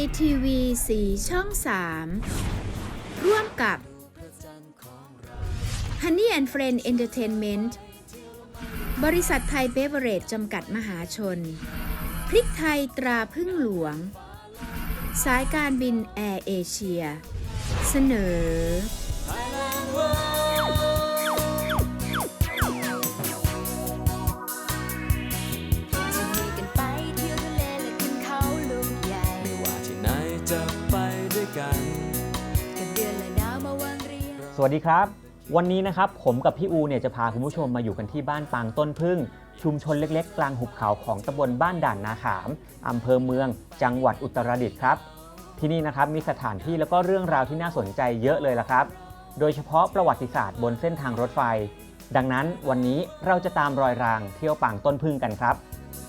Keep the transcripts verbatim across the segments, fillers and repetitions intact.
ที วี สี่ ช่อง สาม ร่วมกับ Honey and Friend Entertainment บริษัทไทยเบเวอเรจจำกัดมหาชน พริกไทยตราพึ่งหลวง สายการบินแอร์เอเชีย เสนอสวัสดีครับวันนี้นะครับผมกับพี่อูเนี่ยจะพาคุณผู้ชมมาอยู่กันที่บ้านปางต้นพึ่งชุมชนเล็กๆกลางหุบเขาของตำบลบ้านด่านนาขามอำเภอเมืองจังหวัดอุตรดิตถ์ครับที่นี่นะครับมีสถานที่แล้วก็เรื่องราวที่น่าสนใจเยอะเลยล่ะครับโดยเฉพาะประวัติศาสตร์บนเส้นทางรถไฟดังนั้นวันนี้เราจะตามรอยรางเที่ยวปางต้นพึ่งกันครับ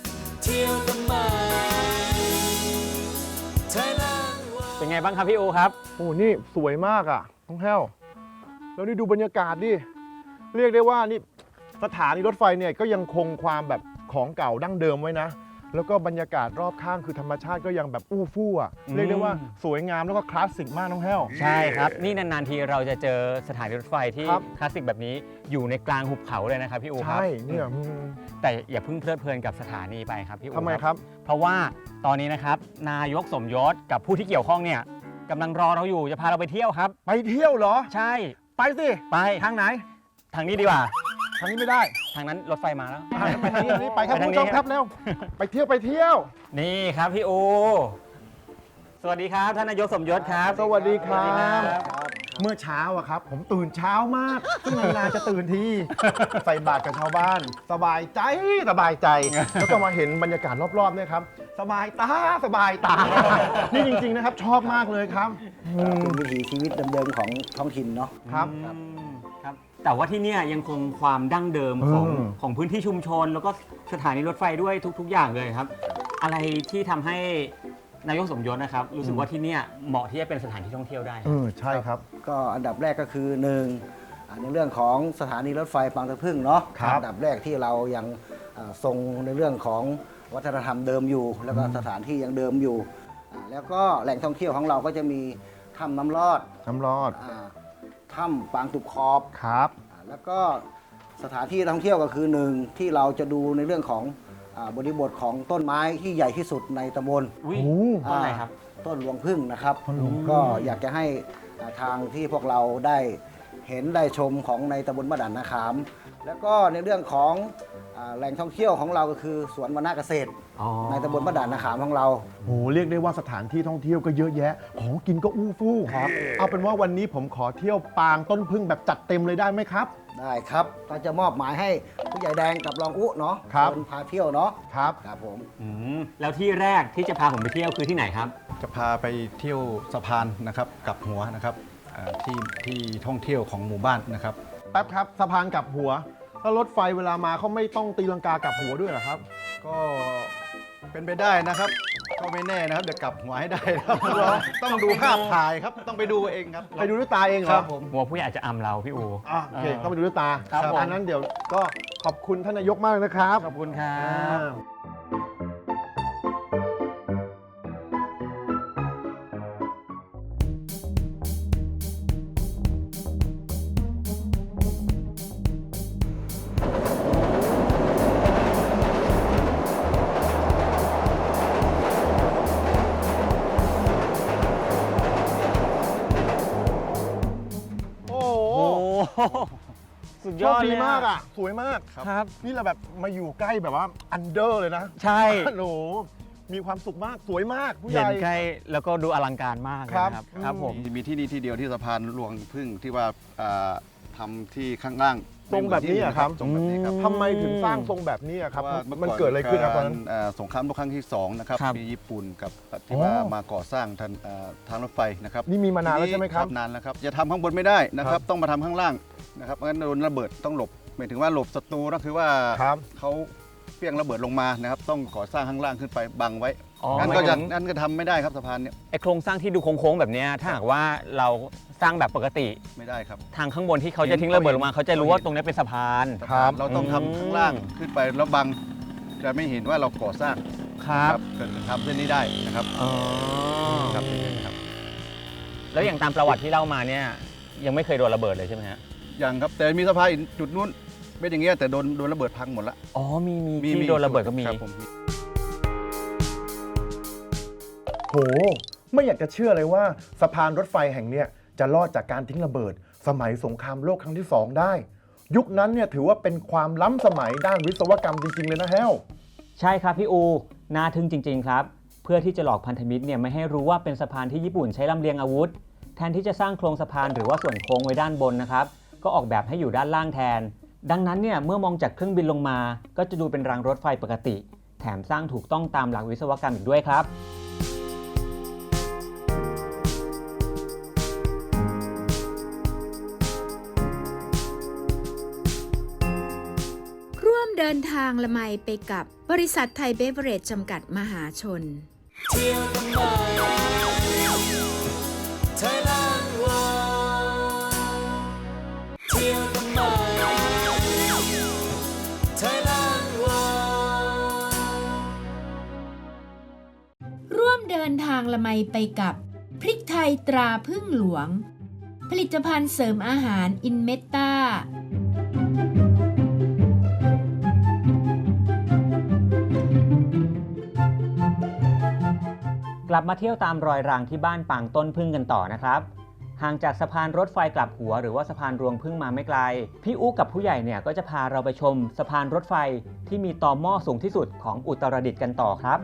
เป็นไงบ้างครับพี่อูครับโอ้นี่สวยมากอ่ะน้องแห้วแล้วนี่ดูบรรยากาศดิเรียกได้ว่านี่สถานีรถไฟเนี่ยก็ยังคงความแบบของเก่าดั้งเดิมไว้นะแล้วก็บรรยากาศรอบข้างคือธรรมชาติก็ยังแบบอู้ฟู่อ่ะเรียกได้ว่าสวยงามแล้วก็คลาสสิกมากน้องแห้วใช่ครับนี่นานๆทีเราจะเจอสถานีรถไฟที่คลาสสิกแบบนี้อยู่ในกลางหุบเขาเลยนะครับพี่อูครับใช่เนี่ยแต่อย่าเพิ่งเพลิดเพลินกับสถานีไปครับพี่อูทำไมครับเพราะว่าตอนนี้นะครับนายกสมยศกับผู้ที่เกี่ยวข้องเนี่ยกำลังรอเราอยู่จะพาเราไปเที่ยวครับไปเที่ยวเหรอใช่ไปสิไปทางไหนทางนี้ดีกว่าทางนี้ไม่ได้ทางนั้นรถไฟมาแล้วไปทางนี้ไปครับคุณผู้ชมครับเร็วไปเที่ยวไปเที่ยวนี่ครับพี่อูสวัสดีครับท่านนายกสมยศครับสวัสดีครับเมื่อเช้าอะครับผมตื่นเช้ามากซึ่งนานๆจะตื่นทีใส่บาตรกับชาวบ้านสบายใจสบายใจแล้วก็มาเห็นบรรยากาศรอบๆเนี่ยครับสบายตาสบายตานี่จริงๆนะครับชอบมากเลยครับเป็นวิถีชีวิตเดิมๆของท้องถิ่นเนาะครับครับแต่ว่าที่นี่ยังคงความดั้งเดิมของของพื้นที่ชุมชนแล้วก็สถานีรถไฟด้วยทุกๆอย่างเลยครับอะไรที่ทำให้นายกสมยศนะครับรู้สึกว่าที่นี่เหมาะที่จะเป็นสถานที่ท่องเที่ยวได้เออใช่ครับก็อันดับแรกก็คือหนึ่งในเรื่องของสถานีรถไฟปางตะพึ่งเนาะอันดับแรกที่เรายังทรงในเรื่องของวัฒนธรรมเดิมอยู่แล้วก็สถานที่ยังเดิมอยู่แล้วก็แหล่งท่องเที่ยวของเราก็จะมีถ้ำน้ำลอดน้ำลอดถ้ำปางตุบขอบครับแล้วก็สถานที่ท่องเที่ยวก็คือหนึ่งที่เราจะดูในเรื่องของบริบทของต้นไม้ที่ใหญ่ที่สุดในตำบลต้นอะไรครับต้นหลวงพึ่งนะครับก็อยากจะให้ทางที่พวกเราได้เห็นได้ชมของในตำบลบ้านด่านนาขามแล้วก็ในเรื่องของแหล่งท่องเที่ยวของเราก็คือสวนวรรณเกษตรในตำบลบ้านด่านนาขามของเราโอ้เรียกได้ว่าสถานที่ท่องเที่ยวก็เยอะแยะของกินก็อู้ฟู่ครับเอาเป็นว่าวันนี้ผมขอเที่ยวปางต้นพึ่งแบบจัดเต็มเลยได้ไหมครับได้ครับก็จะมอบหมายให้ผู้ใหญ่แดงกับรองอุ๊เนาะเป็นพาเที่ยวเนาะครับครับผมแล้วที่แรกที่จะพาผมไปเที่ยวคือที่ไหนครับจะพาไปเที่ยวสะพานนะครับกับหัวนะครับที่ที่ท่องเที่ยวของหมู่บ้านนะครับแป๊บครับสะพานกับหัวถ้ารถไฟเวลามาเขาไม่ต้องตีลังกากับหัวด้วยเหรอครับก็เป็นไปได้นะครับก็ไม่แน่นะครับเดี๋ยวกลับหัวให้ได้ครับต้องดูภาพถ่ายครับต้องไปดูเองครับไปดูด้วยตาเองเหรอครับผมหัวผู้ใหญ่อาจจะอำเราพี่อูอ่ะโอเคต้องไปดูด้วยตาอันนั้นเดี๋ยวก็ขอบคุณท่านนายกมากนะครับขอบคุณครับสุดยอดดีมากอ่ะสวยมากครับนี่เราแบบมาอยู่ใกล้แบบว่าอันเดอร์เลยนะใช่โอ้มีความสุขมากสวยมากผู้ใหญ่เห็นใกล้แล้วก็ดูอลังการมากครับครับผมมีที่นี่ที่เดียวที่สะพานหลวงพึ่งที่ว่าทำที่ข้างล่างทรงแบบนี้ครับทรงแบบนี้ครับทำไมถึงสร้างทรงแบบนี้ครับมันเกิดอะไรขึ้นครับตอนนั้นสงครามโลกครั้งที่สองนะครับมีญี่ปุ่นกับที่ว่ามาก่อสร้างทางทางรถไฟนะครับนี่มีมานานแล้วใช่ไหมครับนานแล้วครับจะทำข้างบนไม่ได้นะครับต้องมาทำข้างล่างนะครับงั้นโดนระเบิดต้องหลบหมายถึงว่าหลบศัตรูก็คือว่าเขาเปี้ยงระเบิดลงมานะครับต้องก่อสร้างข้างล่างขึ้นไปบังไว้งั้นก็จะงั้นก็ทำไม่ได้ครับสะพานเนี่ยไอโครงสร้างที่ดูโค้งๆแบบนี้ถ้าหากว่าเราสร้างแบบปกติไม่ได้ครับทางข้างบนที่เขาจะทิ้งระเบิดลงมาเขาจะรู้ว่าตรงนี้เป็นสะพานครับเราต้องทำข้างล่างขึ้นไปแล้วบังจะไม่เห็นว่าเราก่อสร้างครับเกิดทำเส้นนี้ได้นะครับอ๋อแล้วอย่างตามประวัติที่เล่ามาเนี่ยยังไม่เคยโดนระเบิดเลยใช่ไหมฮะอย่างครับแต่มีสะพานอีกจุดนู้นเป็นอย่างเงี้ยแต่โดนโดนระเบิดพังหมดละอ๋อมีมีที่โดนระเบิดก็มีครับผมโห ไม่อยากจะเชื่อเลยว่าสะพานรถไฟแห่งเนี้ยจะรอดจากการทิ้งระเบิด สมัยสงครามโลกครั้งที่สองได้ ยุคนั้นเนี่ยถือว่าเป็นความล้ำสมัยด้านวิศวกรรมจริงๆเลยนะแฮวใช่ครับพี่อูน่าทึ่งจริง ๆ ครับ เพื่อที่จะหลอกพันธมิตรเนี่ยไม่ให้รู้ว่าเป็นสะพานที่ญี่ปุ่นใช้ลำเลียงอาวุธ แทนที่จะสร้างโครงสะพานหรือว่าส่วนโค้งไว้ด้านบนนะครับก็ออกแบบให้อยู่ด้านล่างแทน ดังนั้นเนี่ยเมื่อมองจากเครื่องบินลงมาก็จะดูเป็นรางรถไฟปกติ แถมสร้างถูกต้องตามหลักวิศวกรรมอีกด้วยครับร่วมเดินทางละไมไปกับบริษัทไทยเบเวอเรจจำกัดมหาชน ร่วมเดินทางละไมไปกับพริกไทยตราพึ่งหลวง ผลิตภัณฑ์เสริมอาหารอินเมตตากลับมาเที่ยวตามรอยรางที่บ้านปางต้นพึ่งกันต่อนะครับห่างจากสะพานรถไฟกลับหัวหรือว่าสะพานรวงพึ่งมาไม่ไกลพี่อุ๊กับผู้ใหญ่เนี่ยก็จะพาเราไปชมสะพานรถไฟที่มีต่อหม้อสูงที่สุดของอุตรดิตถ์กันต่อครับ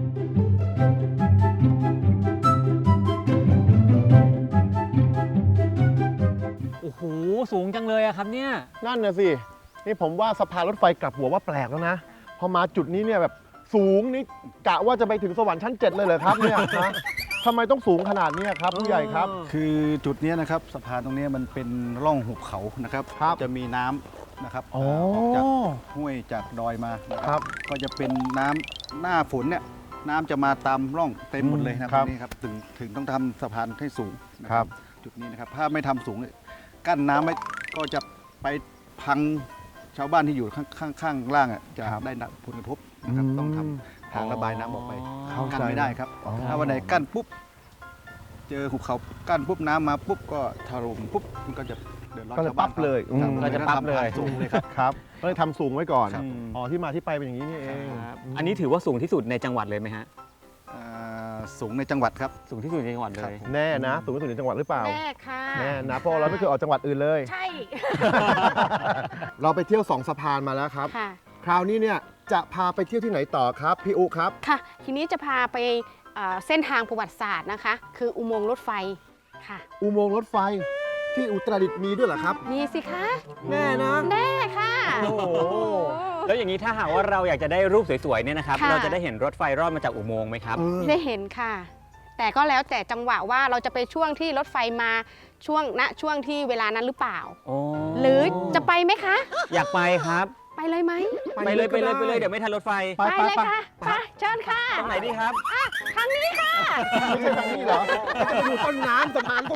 โอ้โหสูงจังเลยอะครับเนี่ยนั่นน่ะสิ นี่ผมว่าสะพานรถไฟกลับหัวว่าแปลกแล้วนะ พอมาจุดนี้เนี่ยแบบสูงนี่กะว่าจะไปถึงสวรรค์ชั้นเจ็ดเลยเหรอครับเนี่ยฮะทำไมต้องสูงขนาดนี้ครับผู้ใหญ่ครับคือจุดเนี้ยนะครับสะพานตรงเนี้ยมันเป็นร่องหุบเขานะครับครับจะมีน้ำนะครับอ๋อออกจากห้วยจากดอยมานะคครัรับ บ ก็จะเป็นน้ำหน้าฝนเนี่ยน้ำจะมาตามร่องเต็มหมดเลยนะคครัรับบ นี่ครับถึงถึงต้องทำสะพานให้สูงนะครับจุดนี้นะครับถ้าไม่ทำสูงเนี่ยกั้นน้ำไว้ก็จะไปพังชาวบ้านที่อยู่ข้างข้างข้างล่างอ่ะจะได้รับผลกระทบนะครับต้องทำทางระบายน้ำออกไปเข้าใจกั้นไม่ได้ครับอ๋อถ้าวันไหนกั้นปุ๊บ เจอหุบเขากั้นปุ๊บน้ำมาปุ๊บก็ถล่มปุ๊บมันก็จะเดือดร้อนก็เลยชาวบ้านปั๊บเลยครับอืมก็จะปั๊บเลยทำผ่านสูงเลยครับครับก็เลยทำสูงไว้ก่อนครับอ๋อที่มาที่ไปเป็นอย่างนี้นี่เองอันนี้ถือว่าสูงที่สุดในจังหวัดเลยไหมฮะอ่าสูงในจังหวัดครับสูงที่สุดในจังหวัดเลครับยผมแน่นะสูงที่สุดในจังหวัดหรือเปล่าแน่ค่ะแน่นะเพราะเราไม่เคยออกจังหวัดอื่นเลยใช่เราไปเที่ยวสองสะพานมาแล้วครับค่ะคราวนี้เนี่ยจะพาไปเที่ยวที่ไหนต่อครับพี่อุครับค่ะ ทีนี้จะพาไปเอ่อเส้นทางประวัติศาสตร์นะคะ คืออุโมงค์รถไฟค่ะอุโมงค์รถไฟที่อุตรดิตถ์มีด้วยเหรอครับมีสิคะแน่นะแน่ค่ะโอ้โหแล้วอย่างนี้ถ้าหากว่าเราอยากจะได้รูปสวยๆเนี่ยนะครับค่ะเราจะได้เห็นรถไฟรอดมาจากอุโมงค์ไหมครับเออได้เห็นค่ะ แต่ก็แล้วแต่จังหวะว่าเราจะไปช่วงที่รถไฟมาช่วงณช่วงที่เวลานั้นหรือเปล่าโอ้หรือจะไปไหมคะอยากไปครับไปเลยไหมไปเลยไปเลยไปเลยเดี๋ยวไม่ทันรถไฟไปไปเลยค่ะไปเชิญค่ะตรงไหนดีครับทางนี้ค่ะไม่ใช่ทางนี้เหรอไปดูต้นน้ำสะพานตรง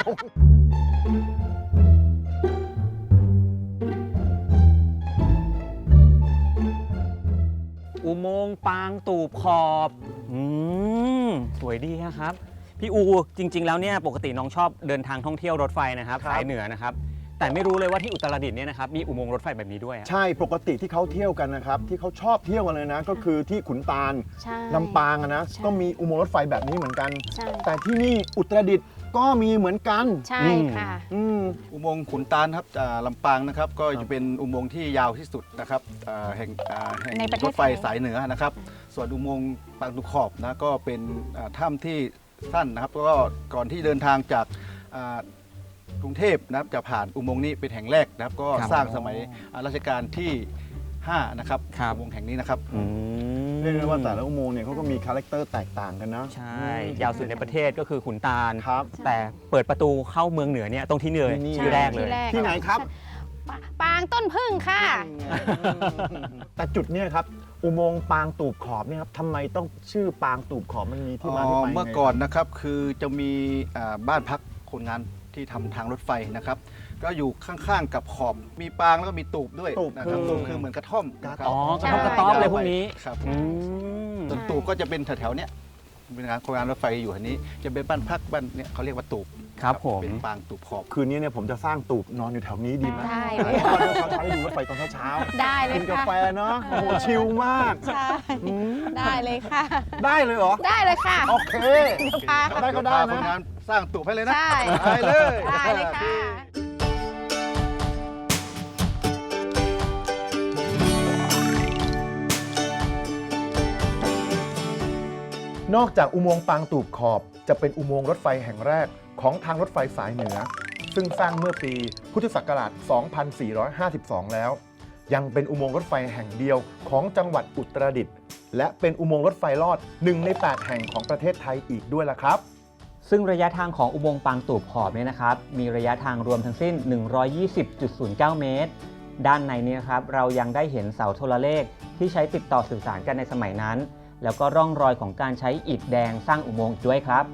อุโมงค์ปางตูบขอบอืมสวยดีครับพี่อูจริง ๆ แล้วเนี่ยปกติน้องชอบเดินทางท่องเที่ยวรถไฟนะครับสายเหนือนะครับแต่ไม่รู้เลยว่าที่อุตรดิตถ์เนี่ยนะครับมีอุโมงค์รถไฟแบบนี้ด้วยอะใช่ปกติที่เขาเที่ยวกันนะครับที่เขาชอบเที่ยวกันเลยนะ ก็คือที่ขุนตาลใช่ลำปางอะนะใช่ก็มีอุโมงค์รถไฟแบบนี้เหมือนกันใช่แต่ที่นี่อุตรดิตถ์ก็มีเหมือนกันใช่ค่ะอืมอุโมงค์ขุนตาลครับอ่าลำปางนะครับก็จะเป็นอุโมงค์ที่ยาวที่สุดนะครับอ่าแห่งอ่าแห่งในประเทศรถไฟไทยสายเหนือนะครับ ส่วนอุโมงค์ปางตุขอบนะก็เป็นอ่าถ้ำที่สั้นนะครับก็ก่อนที่เดินทางจากอ่ากรุงเทพนะครับจะผ่านอุโมงค์นี้เป็นแห่งแรกนะครับ ก็ครับสร้างสมัยอ่ารัชกาลที่ห้านะครับครับอุโมงค์แห่งนี้นะครับอืมเรียกได้ว่าแต่ละอุโมงค์เนี่ยเขาก็มีคาแรคเตอร์แตกต่างกันนะใช่ ยาวสุดในประเทศก็คือขุนตาลครับแต่เปิดประตูเข้าเมืองเหนือเนี่ยตรงที่เหนือที่นี่ที่แรกเลยที่ไหนครับปาปางต้นพึ่งค่ะแต่จุดเนี้ครับอุโมงค์ปางตูบขอบเนี่ยครับทำไมต้องชื่อปางตูบขอบมันมีที่มาที่ไปยังไงเมื่อก่อนนะครับคือจะมีอ่าบ้านพักคนงานที่ทำทางรถไฟนะครับ ก็อยู่ข้างๆกับขอบมีปางแล้วก็มีตูบด้วยตูบนะครับคือตูบคือเหมือนกระท่อมนะครับอ๋อกระใช่ท่อมกระต๊อบเลยพวกนี้ครับอืมส่วนตูบก็จะเป็นแถวๆเนี้ยเป็นงานโครงการรถไฟอยู่อันนี้จะเป็นบ้านพักบ้านเนี่ยเขาเรียกว่าตูบครับผมเป็นปางตูบขอบคืนนี้เนี่ยผมจะสร้างตูบนอนอยู่แถวนี้ดีไหมได้เอเลยอเดี๋ยวเขาใช้ดูรถไฟตอนเช้าๆได้เลยกินกาค่ะแฟเนาะโอ้โหชิลมากใช่ได้เลยค่ะได้เลยเหรอได้เลยค่ะโอเคค่ะได้ก็ได้พาคนนะงานสร้างตูบให้เลยนะใช่ได้เลยได้เลยค่ะนอกจากอุโมงค์ปางตูบขอบจะเป็นอุโมงค์รถไฟแห่งแรกของทางรถไฟสายเหนือ ซึ่งสร้างเมื่อปีพุทธศักราช สองพันสี่ร้อยห้าสิบสอง แล้ว ยังเป็นอุโมงค์รถไฟแห่งเดียวของจังหวัดอุตรดิตถ์และเป็นอุโมงค์รถไฟลอดหนึ่งในแปดแห่งของประเทศไทยอีกด้วยล่ะครับซึ่งระยะทางของอุโมงค์ปางตูบขอบเนี่ยนะครับมีระยะทางรวมทั้งสิ้น หนึ่งร้อยยี่สิบจุดศูนย์เก้า เมตร ด้านในนี้นะครับเรายังได้เห็นเสาโทรเลขที่ใช้ติดต่อสื่อสารกันในสมัยนั้น แล้วก็ร่องรอยของการใช้อิฐแดงสร้างอุโมงค์อีกด้วยครับ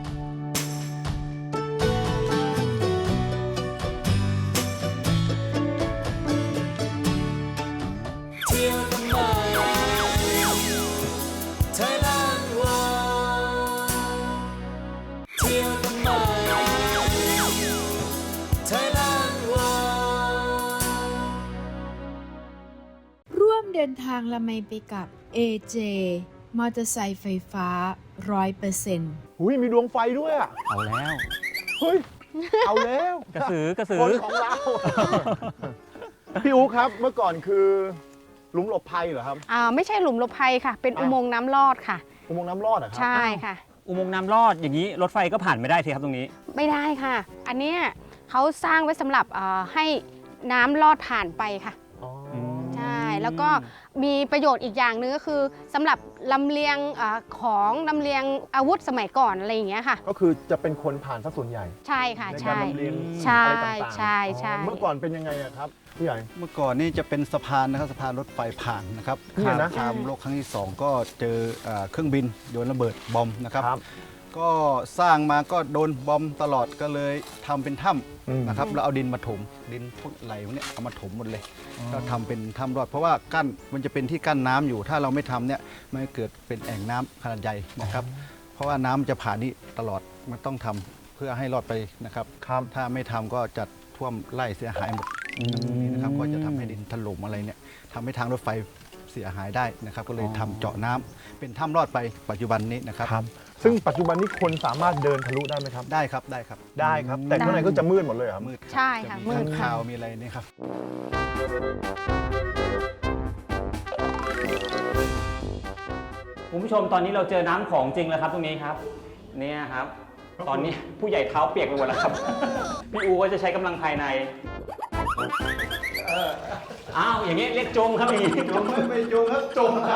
ร่วมเดินทางละไมไปกับ เอ เจ มอเตอร์ไซค์ไฟฟ้า ร้อยเปอร์เซ็นต์อุ้ยมีดวงไฟด้วยอ่ะเอาแล้วเฮ้ย เอาแล้วกระสือกระสือคนของเรา พี่อู๋ครับเมื่อก่อนคือหลุมหลบภัยเหรอครับอ่าไม่ใช่หลุมหลบภัยค่ะ เป็นอ่ะอุโมงค์น้ำลอดค่ะอุโมงค์น้ำรอดเหรอครัใช่ค่ะอุโมงค์น้ำลอดอย่างนี้รถไฟก็ผ่านไม่ได้สิครับตรงนี้ไม่ได้ค่ะ อันเนี้ยเขาสร้างไว้สำหรับเอ่อให้น้ำลอดผ่านไปค่ะอ๋อใช่ แล้วก็มีประโยชน์อีกอย่างหนึงก็คือสำหรับลำเลียงอาของลำเลียงอาวุธสมัยก่อนอะไรอย่างเงี้ยค่ะก็คือจะเป็นคนผ่านซะส่วนใหญ่ใช่ค่ะในการใช่ลำเลียงใช่อะไรต่างๆใช่ใช่อ๋อเมื่อก่อนเป็นยังไงอะครับพี่ใหญ่เมื่อก่อนนี่จะเป็นสะพานนะครับสะพานรถไฟผ่านนะครับเนี่ยนะสงครามโลกครั้งที่สองก็เจอเอ่อเครื่องบินโดนระเบิดบอมนะครับครับก็สร้างมาก็โดนบอมตลอดก็เลยทำเป็นถ้อืมำนะครับแล้วเอาดินมาถมดินพวกไหลพวกเนี้ยเอามาถมหมดเลยก็ทำเป็นถ้ำรอด เพราะว่ากั้นมันจะเป็นที่กั้นน้ำอยู่ ถ้าเราไม่ทำเนี่ยมันจะเกิดเป็นแอ่งน้ำขนาดใหญ่นะครับ เพราะว่าน้ำจะผ่านนี่ตลอดมันต้องทำเพื่อให้รอดไปนะครับครับถ้าไม่ทำก็จะท่วมไร่เสียหายหมดนี่นะครับก็จะทำให้ดินถล่มอะไรเนี่ยทำให้ทางรถไฟเสียหายได้นะครับ ก็เลยทำเจาะน้ำเป็นถ้ำรอดไปปัจจุบันนี้นะครับครับ ซึ่งปัจจุบันนี้คนสามารถเดินทะลุได้ไหมครับได้ครับได้ครับได้ครับ แต่ข้างในก็จะมืดหมดเลยเหรอครับมืดรับใช่ค่ะจมืดข้างค่ะคาวมีอะไรนี่ครับคุณผู้ชมตอนนี้เราเจอน้ำของจริงแล้วครับตรงนี้ครับเนี่ยครับ ตอนนี้ผู้ใหญ่เท้าเปียกไปหมดแล้วครับ พี่อูก็จะใช้กำลังภายในอ้าวอย่างนี้เรียกจมครับอย่างนี้จมไม่จมครับจมครับ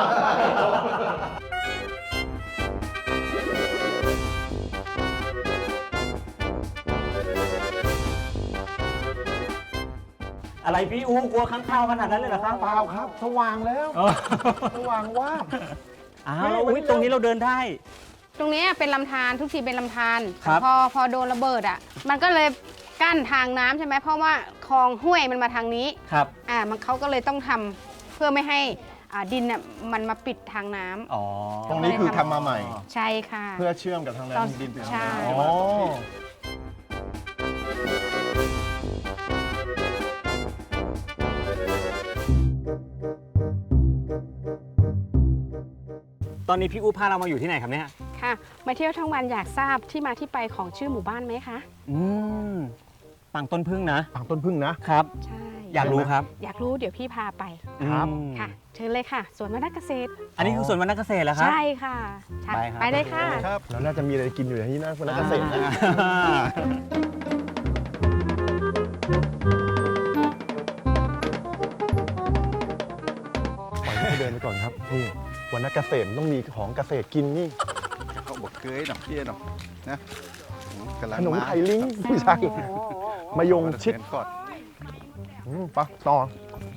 อะไรพี่อูกลัวข้างคาวขนาดนั้นเลยเหรอครับเปล่าครับ สว่างแล้วเออสว่างว่าบอ้าวอุ๊ยตรงนี้เราเดินได้ตรงเนี้ยเป็นลำธารทุกทีเป็นลำธารครับพอพอโดนระเบิดอ่ะ มันก็เลยกั้นทางน้ำใช่ไหมเพราะว่าคลองห้วยมันมาทางนี้ครับอ่ามันเขาก็เลยต้องทำเพื่อไม่ให้อ่าดินอ่ะมันมาปิดทางน้ำอ๋อตรงนี้คือทำมาใหม่ใช่ค่ะเพื่อเชื่อมกับทางแรตอนงดินไปทางใช่น้ำอ๋อตอนนี้พี่อูพาเรามาอยู่ที่ไหนครับเนี่ยค่ะ มาเที่ยวทั้งวันอยากทราบที่มาที่ไปของชื่อหมู่บ้านไหมคะอืมปังต้นพึ่งนะปางต้นพึ่งนะครับใช่อยากรู้ครับอยากรู้เดี๋ยวพี่พาไปครับอืมค่ะ เชิญเลยค่ะสวนวรรณเกษตรอันนี้คือสวนวรรณเกษตรเหรอครับใช่ค่ะใช่ไปครับไปเลยค่ะครับแล้วน่าจะมีอะไรกินอยู่ในที่นั่นคนนักเกษตรนะอ่าปล่อยให้เดินไปก่อนครับนี่วันนักเกษตรมันต้องมีของเกษตรกินนี่เขาบอกเกยหน่อยเยี่ยหน่อยนะกำลังขนมมาไข่ลิงผู้ชายมายงชิดเนก่อนอืมไปะต่อ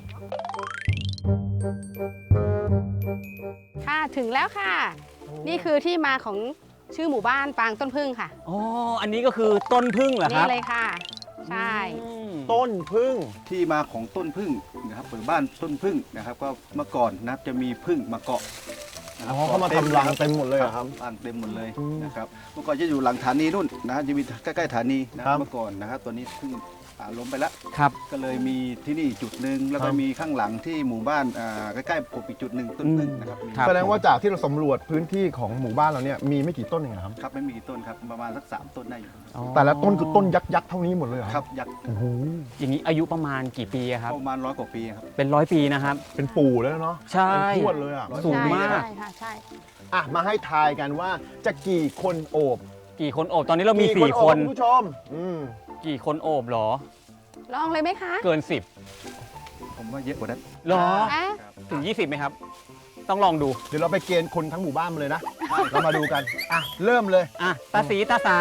ค่ะถึงแล้วค่ะ นี่คือที่มาของชื่อหมู่บ้านปางต้นพึ่งค่ะอ๋อ อันนี้ก็คือต้นพึ่งเหรอคนี่รับเลยค่ะ ใช่อืมต้นพึ่งที่มาของต้นพึ่งนะครับหรือบ้านต้นพึ่งนะครับ ก็เมื่อก่อนนะครับจะมีพึ่งมาเกาะนะครัอ๋อเขามาทำรังเต็มหมดเลยเหรอครับรังเต็มหมดเลยอืมนะครับเมื่อก่อนจะอยู่หลังฐานีนู่นนะฮะจะมีใกล้ๆฐานีนะครับ เมื่อก่อนนะครับตัวนี้เพิ่งอ่าล้มไปแล้วครับก็เลยมีที่นี่จุดหนึ่งแล้วก็ครับมีข้างหลังที่หมู่บ้านอ่าใกล้ๆผมอีกจุดหนึ่งต้นพึ่งนะครับมีครับแสดงว่าจากที่เราสำรวจพื้นที่ของหมู่บ้านเราเนี่ยมีไม่กี่ต้นเองเหรอครับครับไม่มีกี่ต้นครับประมาณสักสามต้นได้อยู่แต่ละต้นคือต้นยักษ์ยักษ์เท่านี้หมดเลยเหรอครับยักษ์โอ้โหอย่างนี้อายุประมาณกี่ปีอะครับประมาณร้อยกว่าปีครับเป็นร้อยปีนะครับเป็นปู่แล้วเนาะใช่เป็นทวดเลยอ่ะสูงใช่มากใช่ค่ะใช่อ่ะมาให้ทายกันว่าจะกี่คนโอบกี่คนโอบตอนนี้เรามีกี่สี่โอบคนณผู้ชมอืมกี่คนโอบเหรอลองเลยไหมคะเกินสิบผมว่าเยอะกว่านั้นเหรออ่ะถึงยี่สิบไหมครับ ต้องลองดูเดี๋ยวเราไปเกณฑ์คนทั้งหมู่บ้านมาเลยนะ เรามาดูกัน อ่ะ เริ่มเลยอ่ะ ตาสีตาสา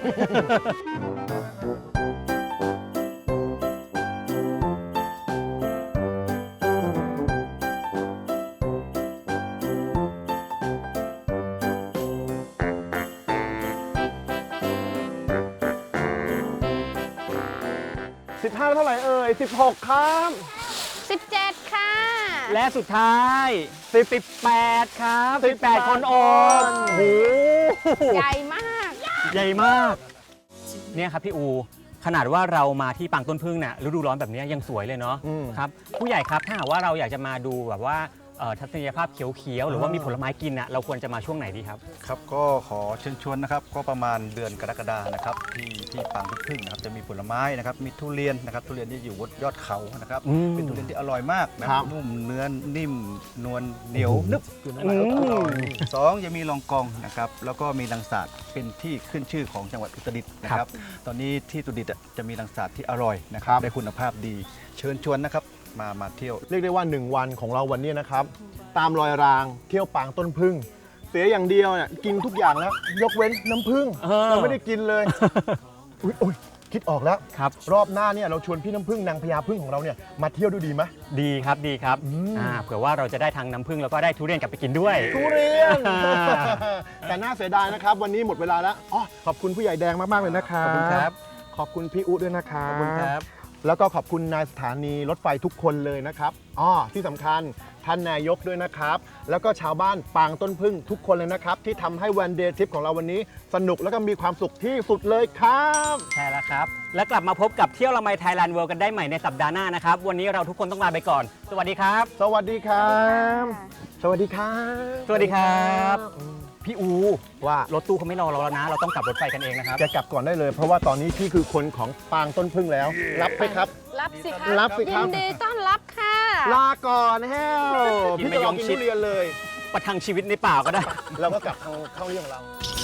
สิบห้าเท่าไหร่เอ่ยสิบหกครับสิบเจ็ดค่ะและสุดท้ายสิบแปดครับสิบแปดคนโอบโอ้โหใหญ่มากใหญ่มาก เนี่ยครับพี่อู ขนาดว่าเรามาที่ปางต้นพึ่งเนี่ยฤดูร้อนแบบนี้ยังสวยเลยเนาะอืมครับผู้ใหญ่ครับถ้าหากว่าเราอยากจะมาดูแบบว่าเอ่อทัศนียภาพเขียวๆหรือว่ามีผลไม้กินอ่ะเราควรจะมาช่วงไหนดีครับครับก็ขอเชิญชวนนะครับก็ประมาณเดือนกรกฎานะครับที่ที่ปางพึ่งนะครับจะมีผลไม้นะครับมีทุเรียนนะครับทุเรียนที่อยู่บนยอดเขานะครับอืมเป็นทุเรียนที่อร่อยมากนะครับ นุ่มเนื้อนิ่มนวลเหนียวนึบอืมสองยังมีลองกองนะครับแล้วก็มีลังสาดเป็นที่ขึ้นชื่อของจังหวัดอุตรดิตถ์นะครับตอนนี้ที่อุตรดิตถ์อ่ะจะมีลังสาดที่อร่อยนะครับได้คุณภาพดี เชิญชวนนะครับมามาเที่ยวเรียกได้ว่า หนึ่ง วันของเราวันนี้นะครับ ตามรอยรางเที่ยวปางต้นพึ่ง เสียอย่างเดียวเนี่ยกินทุกอย่างแล้ว ยกเว้นน้ำพึ่งเออเราไม่ได้กินเลย อุ๊ยโอ้ยคิดออกแล้วครับรอบหน้าเนี่ยเราชวนพี่น้ำพึ่งนางพญาพึ่งของเราเนี่ยมาเที่ยวดูดีไหมดีครับดีครับอืมอ่าเผื่อว่าเราจะได้ทางน้ำผึ้งแล้วก็ได้ทุเรียนกลับไปกินด้วยทุเรียนอ่าแต่น่าเสียดายนะครับ วันนี้หมดเวลาแล้วอ๋อขอบคุณผู้ใหญ่แดงมาก ๆ เลยนะครับขอบคุณครับขอบคุณพี่อุ๊ด้วยนะครับขอบคุณครับแล้วก็ขอบคุณนายสถานีรถไฟทุกคนเลยนะครับอ๋อที่สำคัญท่านนายกด้วยนะครับ แล้วก็ชาวบ้านปางต้นพึ่งทุกคนเลยนะครับ ที่ทำให้วันเดย์ทริปของเราวันนี้ สนุกแล้วก็มีความสุขที่สุดเลยครับใช่แล้วครับ และกลับมาพบกับเที่ยวละไมไทยแลนด์เวิลด์กันได้ใหม่ในสัปดาห์หน้านะครับ วันนี้เราทุกคนต้องลาไปก่อน สวัสดีครับสวัสดีครับ สวัสดีครับสวัสดีครับ พี่อูว่ารถตู้เขาไม่รอเราแล้วนะ เราต้องกลับรถไฟกันเองนะครับแกกลับก่อนได้เลย เพราะว่าตอนนี้พี่คือคนของปางต้นพึ่งแล้ว รับไปครับรับสิคะรับสิครับยินดีต้อนรับค่ะลาก่อนแฮวกินพี่มะจะยลอง งกินชิดทุเรียนเลยประทังชีวิตในป่าก็ได้เราก็กลับเข้าเข้าเรื่องของเรา